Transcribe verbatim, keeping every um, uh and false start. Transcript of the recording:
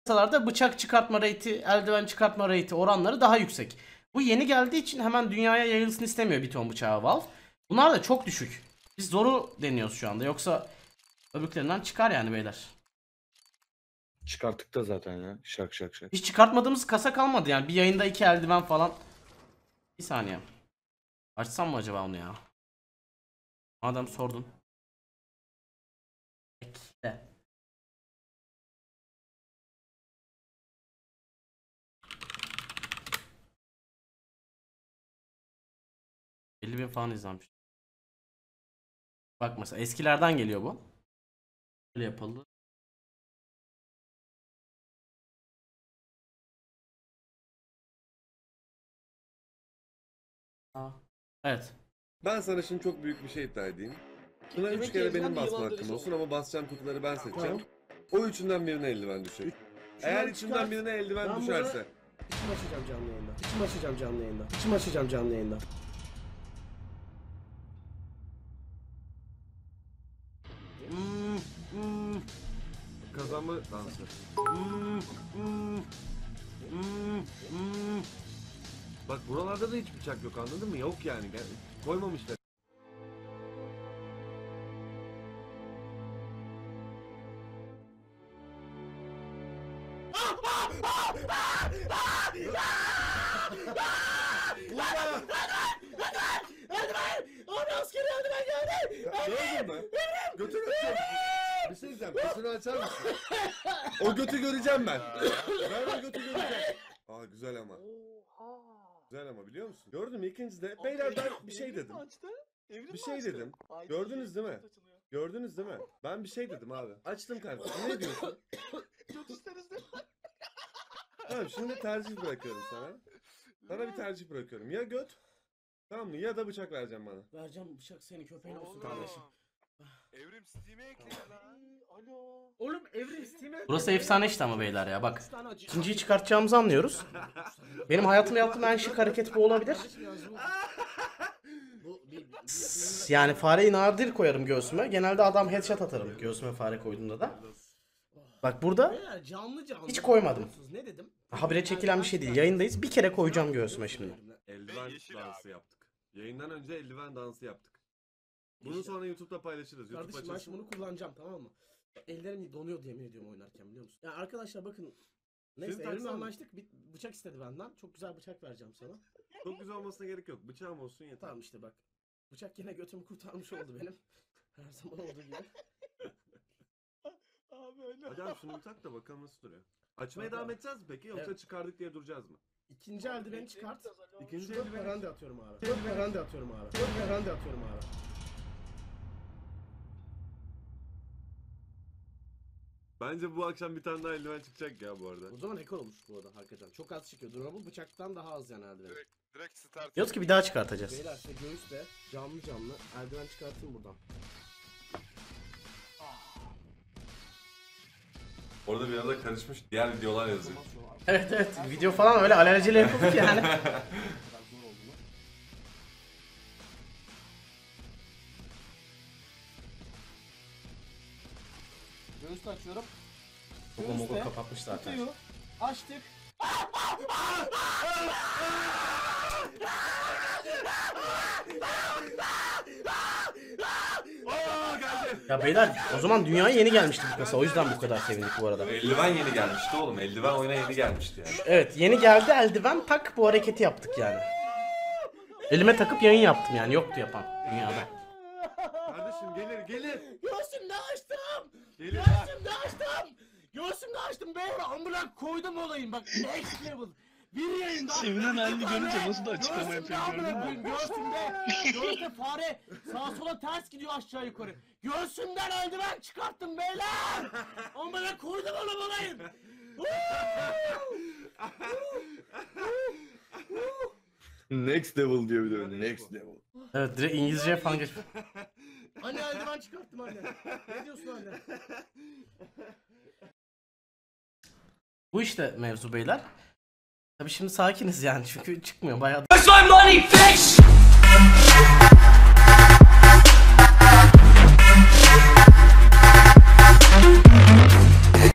piyasalarda bıçak çıkartma rate'i, eldiven çıkartma rate'i oranları daha yüksek. Bu yeni geldiği için hemen dünyaya yayılsın istemiyor bir ton bıçağı Valve. Bunlar da çok düşük. Biz zoru deniyoruz şu anda. Yoksa öbürlerinden çıkar yani beyler. Çıkarttık da zaten ya. Şak şak şak. Hiç çıkartmadığımız kasa kalmadı yani. Bir yayında iki eldiven falan. Bir saniye. Açsam mı acaba onu ya? Madem sordun. Bekle. elli bin falan izlenmiş. Bak mesela eskilerden geliyor bu. Böyle yapıldı. Aa, evet. Ben sana şimdi çok büyük bir şey iddia edeyim. Buna üç kere benim basma hakkım olsun ama basacağım kutuları ben seçeceğim. O üçünden birine eldiven düşecek. Eğer içinden birine eldiven düşerse. İçim açacağım canlı yayında. İçim açacağım canlı yayında. İçim açacağım canlı yayında. Hmm, hmm. Kazanma dansı. Hmm, hmm. Hmm, hmm. Bak buralarda da hiç bıçak yok, anladın mı? Yok yani. Koymamışlar. Gördün mü? Götünü açacağım. Bir şey diyeceğim. Götünü açar mısın? O götü göreceğim ben. Ben o götü göreceğim. Aa güzel ama. Güzel ama biliyor musun? Gördün mü ikincide? Beyler ben bir şey dedim. Bir şey dedim. Gördünüz değil mi? Gördünüz değil mi? Ben bir şey dedim abi. Açtım kardeşim. Ne diyorsun? Tamam şimdi tercih bırakıyorum sana. Sana bir tercih bırakıyorum. Ya göt. Tamam mı? Ya da bıçak vereceğim bana. Vereceğim bıçak senin köpeğin olsun kardeşim. Evrim Steam'e ekle lan. Alo. Oğlum Evrim Steam'e. Burası efsane işte ama beyler ya bak. İkinciyi çıkartacağımızı anlıyoruz. Benim hayatımda yaptığım en şık hareket bu olabilir. Yani fareyi nadir koyarım göğsüme. Genelde adam headshot atarım göğsüme fare koyduğumda da. Bak burada canlı canlı hiç koymadım. Ne dedim? Habire çekilen bir şey değil. Yayındayız. Bir kere koyacağım göğsüme şimdi. Eldiven dansı yaptık. Yayından önce eldiven dansı yaptık. Bunu sonra YouTube'da paylaşırız. YouTube Kardeşim ben açılsın. şimdi bunu kullanacağım, tamam mı? Ellerim donuyor yemin ediyorum oynarken, biliyor musun? Ya arkadaşlar bakın. Neyse Şimdi Evrim'le taksana. anlaştık. Bir bıçak istedi benden. Çok güzel bıçak vereceğim sana. Çok güzel olmasına gerek yok. Bıçağım olsun yeter. Tamam işte bak. Bıçak yine götümü kurtarmış oldu benim. Her zaman olduğu gibi. Abi öyle. Hadi abi şunu bir tak da bakalım nasıl duruyor. Açmaya Kanka. devam edeceğiz mi peki yoksa Evet. çıkardık diye duracağız mı? İkinci eldiveni çıkart. İkinci Şurada eldiveni- perende atıyorum abi. Şurada perende atıyorum abi. Şurada perende atıyorum abi. Bence bu akşam bir tane daha eldiven çıkacak ya bu arada. O zaman rekor olmuş bu arada hakikaten. Çok az çıkıyor. Durable bıçaktan daha az yani eldiven. Direkt, direkt start. Diyoruz ki bir daha çıkartacağız. Beyler işte göğüsle canlı canlı eldiven çıkartayım buradan. Orada bir arada karışmış diğer videolar yazıyor. Evet evet. Video falan öyle alelacele yapıldık yani. Göğüsle açıyorum. Mogo mogo kapatmış zaten. Kutuyu açtık. Ya beyler o zaman dünyaya yeni gelmişti bu kasa. O yüzden bu kadar sevindik bu arada. Eldiven yeni gelmişti oğlum. Eldiven oyuna yeni gelmişti yani. Evet yeni geldi eldiven tak bu hareketi yaptık yani. Elime takıp yayın yaptım yani yoktu yapan dünyada. Kardeşim gelir gelir. Göğsümde açtım. Gelir. Göğsümde açtım. Göğsümde açtım beyler. Amına koydum olayım bak. Next level. Bir yayında. Sevinen halini görünce nasıl da açıklama yapıyor gördün mü? Göğsümde. Göğsümde fare sağa sola ters gidiyor aşağı yukarı. Göğsümden eldiven çıkarttım beyler. Amına koydum oğlum olayım. Next level diyor bir de öyle. Next level. Evet direkt İngilizceye falan geç. Anne eldiven çıkarttım anne. Ne diyorsun anne? Bu işte mevzu beyler. Tabii şimdi sakiniz yani çünkü çıkmıyor bayağı. Where's my money, bitch?